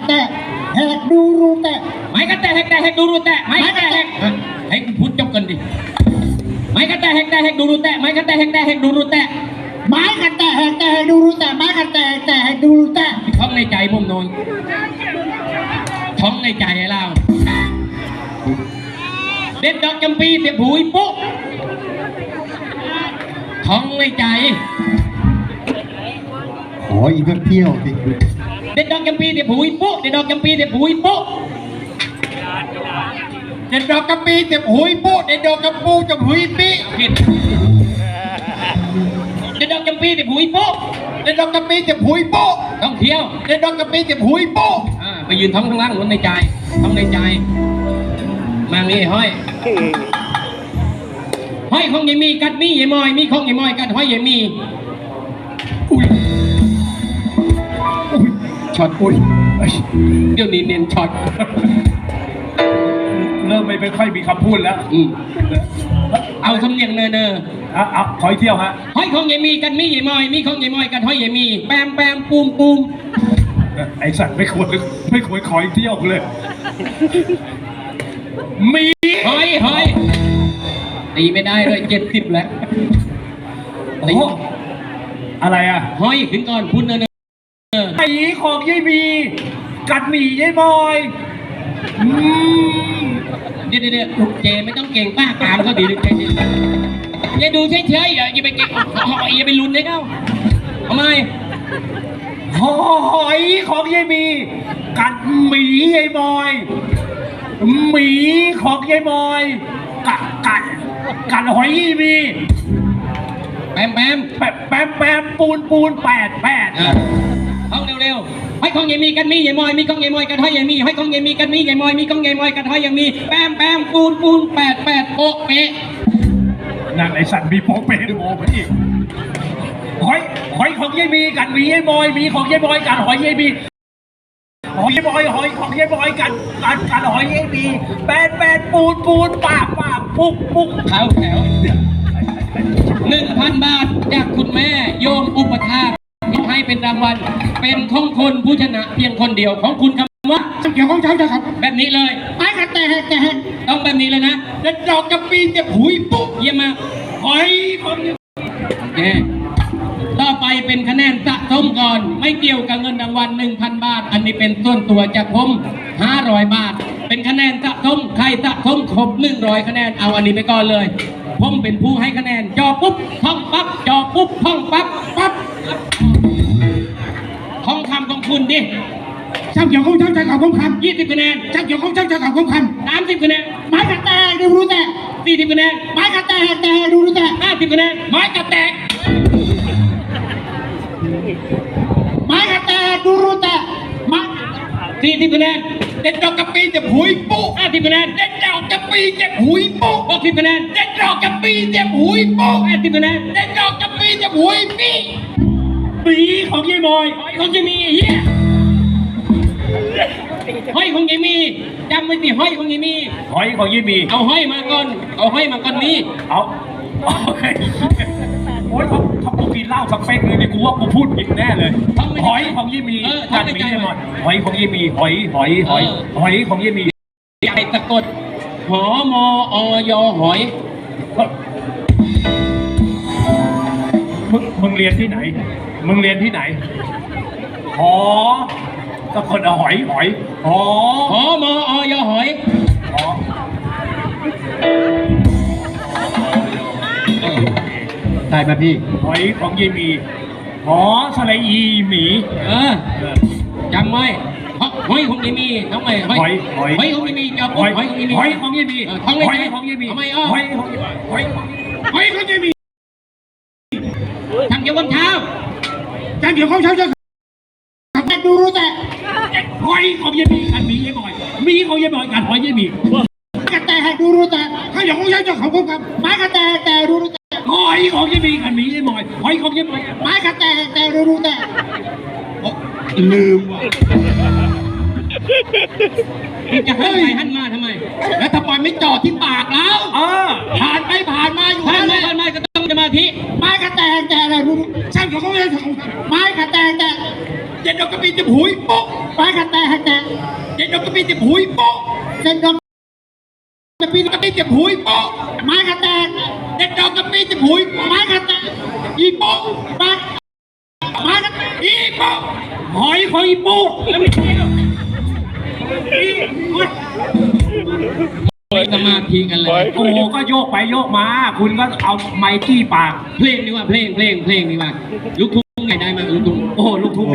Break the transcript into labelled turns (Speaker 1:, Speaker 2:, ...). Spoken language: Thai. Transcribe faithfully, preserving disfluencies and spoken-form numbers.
Speaker 1: แต่แหกดูรูแต่
Speaker 2: ไม้กันแต่แหกแต่แหกดูรูแต่ไม้กันแต่แหกให้คุณพูดจบกันดิไม้กันแต่แหกแต่แหกดูรูแต่ไม้กันแต่แหกแต่แหกดูรูแต่
Speaker 1: ไม้กันแต่แหกแต่แหกดูรูแต่ไม้กันแต่แต่แหกดูรูแต่
Speaker 2: ท้องในใจผมโนนท้องในใจไอ้เราเด็ดดอกจำปีเสียบหูอีปุ๊ท้องในใจ
Speaker 1: ขออีกเที่ยวสิ
Speaker 2: เด็ดดอกจำปีเสียบหูอีปุ๊เด็ดดอกจำปีเสียบหูอีปุ๊
Speaker 1: เด็ดดอกกระปีเจ็บหุยปุ๊เด็ดดอกกระปูจะหุยปี
Speaker 2: ผิดเด็ดดอกจำปีเสียบหูอีปุ๊
Speaker 1: เด็ดดอกกระปีเจ็บหุยปุ๊
Speaker 2: ต้องเที่ยว
Speaker 1: เด็ดดอกกระปีเจ็บหุยปุ๊
Speaker 2: อ่าไปยืนท้องข้างล่างล้นในใจท้องในใจมางี้ห้อยห้อยของยายมีกัดมียายมอยมีของยายมอยกัดห้อยยายมี
Speaker 1: อุ้ยอุ้ยช็อตอุ้ย
Speaker 2: เดี๋ยวนี้เน้นช็อต
Speaker 3: เริ่มไม่ค่อยมีคำพูดแล้ว
Speaker 2: อืมเอาสำเนียงเนอเนอ
Speaker 3: อ่ะอ่ะขอเที่ยวฮะ
Speaker 2: ห้อยของยายมีกัดมียายมอยมีของยายมอยกัดห้อยยายมีแปมแปมปูมปูม
Speaker 3: ไอ้สัตว์ไม่ควรไม่ควรขอเที่ยวเลยมี
Speaker 2: ห้อยห้อยตีไม่ได้เลยเจ็ดสิบแล้ว
Speaker 3: ตีอะไรอ่ะ
Speaker 2: ห้อยขึ้นก่อนพูดเนอเนอ
Speaker 3: ไอ้ของยายมีกัดหมี่ยายบอย
Speaker 2: เดี๋ยวเดี๋ยวเจไม่ต้องเก่งป้าตามเขาดีเลยเจอย่าดูเฉยๆอย่าอย่าไปเก่งอย่าไปลุ้นเลยเขาทำไม
Speaker 3: หอยของยายมีกัดหมี่ยายบอยหมีของยายบอยกัดกัดกัดหอยยายมี
Speaker 2: แปมแปม
Speaker 3: แปมแปมแปมปูนปูนแปดแปด
Speaker 2: ห้องเร็วๆให้ของยายมีกันมียายมอยมีของยายมอยกันห้อยยายมีให้ของยายมีกันมียายมอยมีของยายมอยกันห้อยยายมีแปมแปมปูนปูนแปดแปดโป๊ะเป๊ะ
Speaker 3: นั่นไอสัตว์มีโป๊ะเป๊ะด้วยโป๊ะอีกหอยหอยของยายมีกันมียายมอยมีของยายมอยกันหอยยายมีหอยบอยหอยของยายบอยกันกันกันหอยยายมีแปดแปดปูนปูนปากปากปุ๊กปุ๊ก
Speaker 2: เขาแถวหนึ่งพันบาทจากคุณแม่โยมอุปถากให้เป็นรางวัลเป็นของคนผู้ชนะเพียงคนเดียวของคุณคำว่า
Speaker 1: เกี่ยวของเจ้าจะครับ
Speaker 2: แบบนี้เลย
Speaker 1: ไม้กันแต่แต่
Speaker 2: ต้องแบบนี้เลยนะ
Speaker 1: เด็ดดอกกระปีจะหุยปุ๊
Speaker 2: เยี่ยมมาก
Speaker 3: หอยของ
Speaker 2: แกต่อไปเป็นคะแนนสะสมก่อนไม่เกี่ยวกับเงินรางวัล หนึ่งพัน บาทอันนี้เป็นส่วนตัวจากผมห้าร้อยบาทเป็นคะแนนสะสมใครสะสมครบหนึ่งร้อยคะแนนเอาอันนี้ไปก่อนเลยผมเป็นผู้ให้คะแนนจอปุ๊บท่องปั๊บจอปุ๊บท่องปั๊บปั๊บท่องคำของคุณดิ
Speaker 1: ช่างเกี่ยวของช่างใจเก่าของค
Speaker 2: ำยี่สิบคะแนน
Speaker 1: ช่างเกี่ยวของช่างใจเก่าของค
Speaker 2: ำสามสิบคะแนน
Speaker 1: ไม้กระแตกดูรู้แต่
Speaker 2: สี่สิบคะแนน
Speaker 1: ไม้กระแตกแต่ดูรู้แต่
Speaker 2: ห้าสิบคะแนนไม้กระแตก
Speaker 1: ไม้กระแตกดูรู้แต่ไม้
Speaker 2: สี่สิบคะแนน
Speaker 1: เด็ดดอกกระปีจะหุยปุ๊
Speaker 2: ห้าสิบคะแนน
Speaker 1: เด็ดดอกกระปีจะหุยปุ๊
Speaker 2: หกสิบคะแนน
Speaker 1: เด็ดดอกกระปีจะหุยปุ๊
Speaker 2: แปดสิบคะแนน
Speaker 1: เด็ดดอกกระปีจะหุยปี
Speaker 3: ปีของยายมอย
Speaker 2: หอยของยายมีเฮียห้อยของยายมีจำไว้สิห้อยของยายมี
Speaker 3: หอยของยายมี
Speaker 2: เอาห้อยมาก่อนเอาห้อยมาก่อนนี้
Speaker 3: เอาโอ้ยเขาเขากูกินเหล้าสักเป๊กเลยเนี่ยกูว่ากูพูดผิดแน่เลยหอยของยายมีกัดมียายมอยหอยของยายมีหอยหอยหอยหอยของยายมี
Speaker 2: ใหญ่สะกดหอมออยหอย
Speaker 3: มึงมึงเรียนที่ไหนมึงเรียนที่ไหนหอสะกดหอยหอยหอ
Speaker 2: หอมออยหอย
Speaker 3: หอ
Speaker 2: ได้ไหมพี่
Speaker 3: หอยของยายมีหอสระอีหมี
Speaker 2: เออจำไว้หอยของยายมีทำไมหอยหอยหอยของยายมีจะหอยของยายมี
Speaker 3: หอยของยายมี
Speaker 2: ท้องเลย
Speaker 3: หอยของยายมี
Speaker 2: ทำไมอ้อ
Speaker 3: หอยของหอย
Speaker 1: หอยของยายมี
Speaker 2: ทำเกี่ยวกับเช้า
Speaker 1: ทำเกี่ยวกับเช้าจะแต่ดูรู้แต่
Speaker 3: หอยของยายมีกันมียายบอยมีของยายบอยกันหอยยายมี
Speaker 1: กระแตดูรู้แต่ถ้าอย่างของเช้าจะเขาครับไม้กระแตแต่ดูรู้แต่
Speaker 3: หอยของยายมีกันมียายบอยหอยของยายบอย
Speaker 1: ไม้กระแตแต่ดูรู้แต่
Speaker 2: ลืมว่ะจะให้ไปหันมาทำไมแล้วทำไมไม่จอดที่ปากแล้วผ่านไปผ่านมาอยู่ผ่านไปผ่านมาก็ต้องสมาธิ
Speaker 1: ไม้กระแตแต่อะไรรู้ช่างของเขาไม้กระแตแต่เด็ดดอกกระปีจะหุยปุ๊บไม้กระแตแต่
Speaker 2: เด็ดดอกกระปีเจ็บหุยโป๊ะเด็ดดอกกระปีกระปีเจ็บหุยโป๊ะไม้กระแตกเด็ดดอกกระปีเจ็บหุยไม้กระแตกอีโป๊ะปักไม้กระแตกอีโป๊ะหอยของอีโป๊ะแล้วไม่ใช่หรอกอีสมาธิกันเลย
Speaker 3: โอ้โหก็โยกไปโยกมา คุณก็เอาไม้จี้ปาก
Speaker 2: เพลงนี่ว่าเพลงเพลงเพลงนี่ว่าลูกทุ่ง